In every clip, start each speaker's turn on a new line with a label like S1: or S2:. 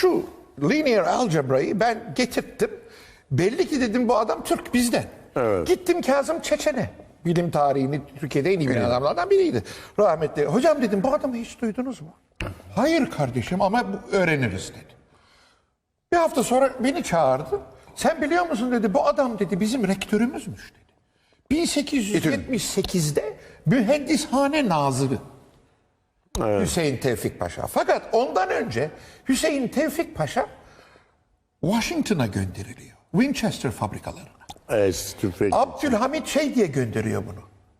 S1: şu linear algebra'yı ben getirttim. Belli ki dedim bu adam Türk bizden.
S2: Evet.
S1: Gittim Kazım Çeçen'e. Bilim tarihini Türkiye'de en iyi bilen adamlardan biriydi. Rahmetli. Hocam dedim bu adamı hiç duydunuz mu? Hayır kardeşim ama öğreniriz dedi. Bir hafta sonra beni çağırdı. Sen biliyor musun dedi bu adam dedi bizim rektörümüzmüş dedi. 1878'de mühendishane nazırı. Evet. Hüseyin Tevfik Paşa. Fakat ondan önce Hüseyin Tevfik Paşa Washington'a gönderiliyor. Winchester fabrikalarına.
S2: Tüfek.
S1: Abdülhamit şey diye gönderiyor bunu.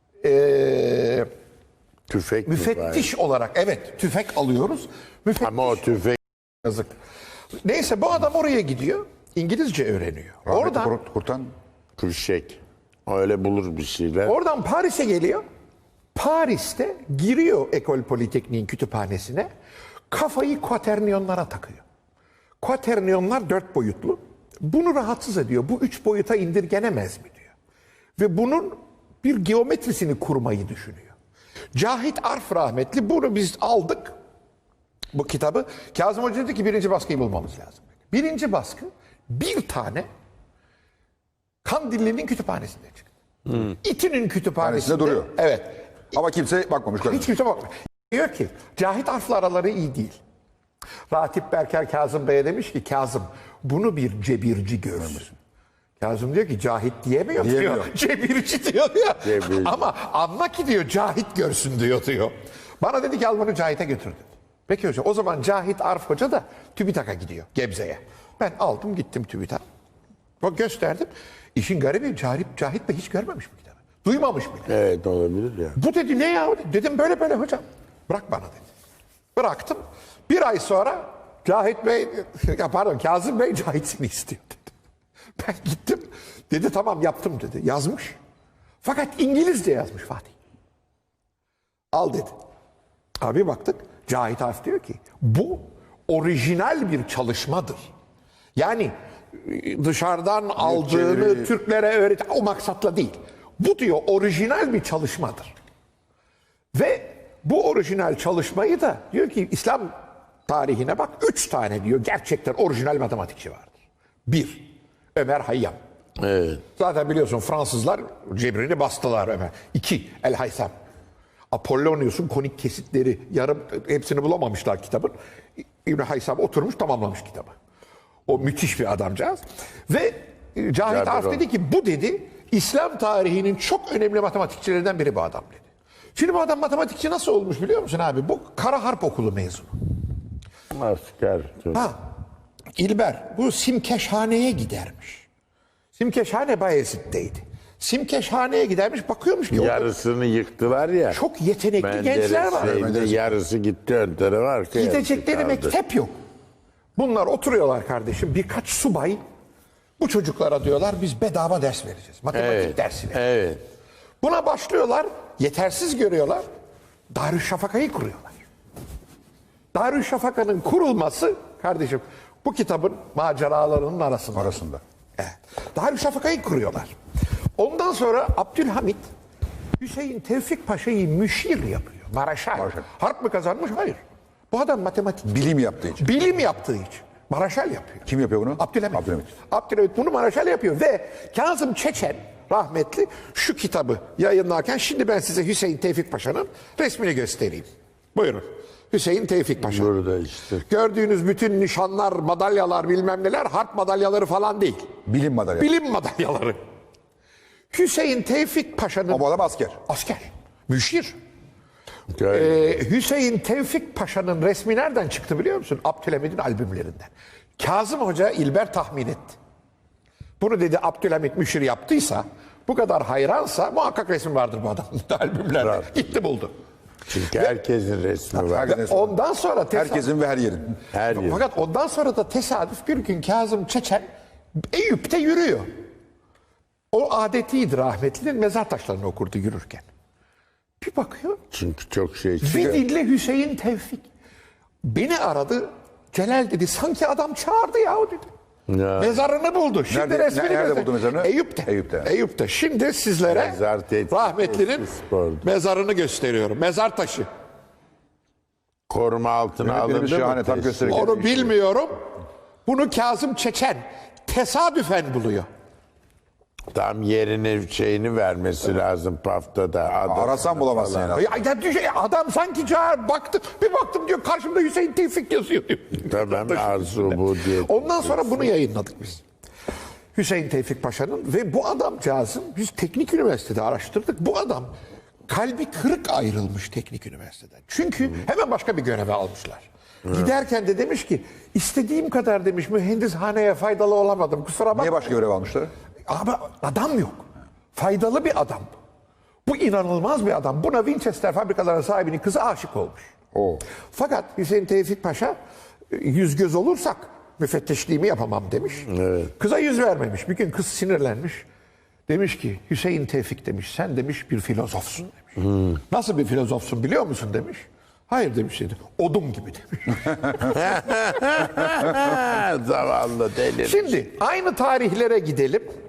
S2: Tüfek
S1: Müfettiş olarak. Evet tüfek alıyoruz. Müfettiş.
S2: Ama o tüfek.
S1: Yazık. Neyse bu adam oraya gidiyor. İngilizce öğreniyor. Oradan
S3: Kurtan
S2: Tüfek. Öyle bulur bir şeyler.
S1: Oradan Paris'e geliyor. Paris'te giriyor Ekol Politeknik'in kütüphanesine. Kafayı kuaterniyonlara takıyor. Kuaterniyonlar 4 boyutlu. Bunu rahatsız ediyor. Bu 3 boyuta indirgenemez mi diyor. Ve bunun bir geometrisini kurmayı düşünüyor. Cahit Arf rahmetli bunu biz aldık. Bu kitabı. Kazım Hoca dedi ki birinci baskıyı bulmamız lazım. Birinci baskı bir tane Kandilli'nin kütüphanesinde çıktı. İTÜ'nün kütüphanesinde
S3: duruyor.
S1: Evet.
S3: ama kimse bakmamış.
S1: Hiç kimse bakmıyor. Diyor ki Cahit Arf'la araları iyi değil. Ratip Berker Kazım Bey'e demiş ki Kazım bunu bir cebirci görsün. Kazım diyor ki Cahit diyemiyor diyor. Cebirci diyor ya.
S2: Cebirci.
S1: Ama anla ki diyor Cahit görsün diyor. Bana dedi ki al bunu Cahit'e götür dedi. Peki hocam o zaman Cahit Arf Hoca da TÜBİTAK'a gidiyor Gebze'ye. Ben aldım gittim TÜBİTAK. Bak gösterdim. İşin garibi Cahit Bey hiç görmemiş bu kitabı. Duymamış bile.
S2: Evet olabilir ya.
S1: Bu dedi ne ya? Dedim böyle böyle hocam. Bırak bana dedi. Bıraktım. Bir ay sonra Cahit Bey, Kazım Bey Cahit seni istiyor dedi. Ben gittim. Dedi tamam yaptım dedi. Yazmış. Fakat İngilizce yazmış Fatih. Al dedi. Abi baktık. Cahit Arf diyor ki bu orijinal bir çalışmadır. Yani dışarıdan aldığını Türklere öğret o maksatla değil. Bu diyor orijinal bir çalışmadır. Ve bu orijinal çalışmayı da diyor ki İslam tarihine bak 3 tane diyor gerçekten orijinal matematikçi vardır. 1. Ömer Hayyam.
S2: Evet.
S1: Zaten biliyorsun Fransızlar cebrini bastılar Ömer. 2. El Haysam. Apollonius'un konik kesitleri yarım hepsini bulamamışlar kitabın. İbn Haysam oturmuş tamamlamış kitabı. O müthiş bir adamcağız. Ve Cahit Arf dedi ki bu dedi İslam tarihinin çok önemli matematikçilerinden biri bu adam dedi. Şimdi bu adam matematikçi nasıl olmuş biliyor musun abi? Bu Kara Harp Okulu mezunu.
S2: Asker.
S1: Ha, İlber bu Simkeşhane'ye gidermiş. Simkeşhane Bayezid'deydi. Simkeşhane'ye gidermiş bakıyormuş ki
S2: Yarısını yıktılar ya.
S1: çok yetenekli gençler var.
S2: Yarısı gitti ön tarafa arkaya.
S1: Gidecekleri mektep yok. Bunlar oturuyorlar kardeşim birkaç subay bu çocuklara diyorlar biz bedava ders vereceğiz. Matematik dersi vereceğiz.
S2: Evet.
S1: Buna başlıyorlar yetersiz görüyorlar. Darüşşafaka'yı kuruyorlar. Darüşşafaka'nın kurulması kardeşim bu kitabın maceralarının arasında. Evet. Darüşşafaka'yı kuruyorlar. Ondan sonra Abdülhamit Hüseyin Tevfik Paşa'yı müşir yapıyor. Maraşal. Harp mı kazanmış? Hayır. Bu adam matematik.
S3: Bilim yaptığı için.
S1: Bilim yaptığı için. Maraşal yapıyor.
S3: Kim yapıyor bunu?
S1: Abdülhamit.
S3: Abdülhamit.
S1: Abdülhamit bunu Maraşal yapıyor ve Kazım Çeçen rahmetli şu kitabı yayınlarken şimdi ben size Hüseyin Tevfik Paşa'nın resmini göstereyim. Buyurun. Hüseyin Tevfik Paşa.
S2: Burada işte.
S1: Gördüğünüz bütün nişanlar, madalyalar bilmem neler harp madalyaları falan değil.
S3: Bilim madalya.
S1: Bilim madalyaları. Hüseyin Tevfik Paşa'nın...
S3: Ama bu adam asker.
S1: Asker. Müşir.
S2: Okay.
S1: Hüseyin Tevfik Paşa'nın resmi nereden çıktı biliyor musun? Abdülhamid'in albümlerinden. Kazım Hoca İlber tahmin etti. Bunu dedi Abdülhamid müşir yaptıysa, bu kadar hayransa muhakkak resim vardır bu adamın albümlerde.
S2: Var.
S1: Gitti buldu.
S2: Çünkü herkesin resmi var.
S3: Herkesin resmi.
S1: Ondan sonra
S3: Herkesin ve her yerin.
S2: Her yer.
S1: fakat ondan sonra da tesadüf bir gün Kazım Çeçen Eyüp'te yürüyor. O adetiydi rahmetlinin mezar taşlarını okurdu yürürken. Bir bakıyor.
S2: Çünkü çok şey.
S1: Bir dinle Hüseyin Tevfik. Beni aradı. Celal dedi sanki adam çağırdı ya o dedi.
S2: Ya.
S1: Mezarını buldu. Şimdi
S3: Nerede-
S1: resmini
S3: nerede
S1: göster-
S3: buldu mezarını?
S1: Eyüp'te.
S3: Eyüp'te.
S1: Eyüp'te. Şimdi sizlere
S2: Mezar tetkik
S1: rahmetlinin
S2: spordu.
S1: mezarını gösteriyorum. Mezar taşı.
S2: Koruma altına
S3: Yönetmenimiz
S2: alındı
S3: şahane,
S2: mı?
S3: tam gösterecek.
S1: Onu bilmiyorum. Bunu Kazım Çeçen tesadüfen buluyor.
S2: Tam yerini şeyini vermesi lazım paftada.
S3: Arasan bulamazsın yani.
S1: Adam sanki çağır baktı. Bir baktım diyor karşımda Hüseyin Tevfik yazıyor diyor.
S2: Tamam arzu bu diye.
S1: Ondan sonra bunu yayınladık biz. Hüseyin Tevfik Paşa'nın ve bu adamcağızın biz teknik üniversitede araştırdık. Bu adam kalbi kırık ayrılmış teknik üniversiteden. Çünkü hemen başka bir göreve almışlar. Giderken de demiş ki istediğim kadar demiş mühendishaneye faydalı olamadım. Kusura bakma.
S3: Niye başka görev almışlar?
S1: Abi adam yok. Faydalı bir adam. Bu inanılmaz bir adam. Buna Winchester fabrikalarının sahibinin kızı aşık olmuş. Fakat Hüseyin Tevfik Paşa yüz göz olursak müfettişliğimi yapamam demiş.
S2: Evet.
S1: Kıza yüz vermemiş. Bir gün kız sinirlenmiş. Demiş ki Hüseyin Tevfik demiş sen demiş bir filozofsun demiş. Nasıl bir filozofsun biliyor musun demiş. Hayır demiş dedi. Odun gibi demiş.
S2: Zavallı deli.
S1: Şimdi aynı tarihlere gidelim.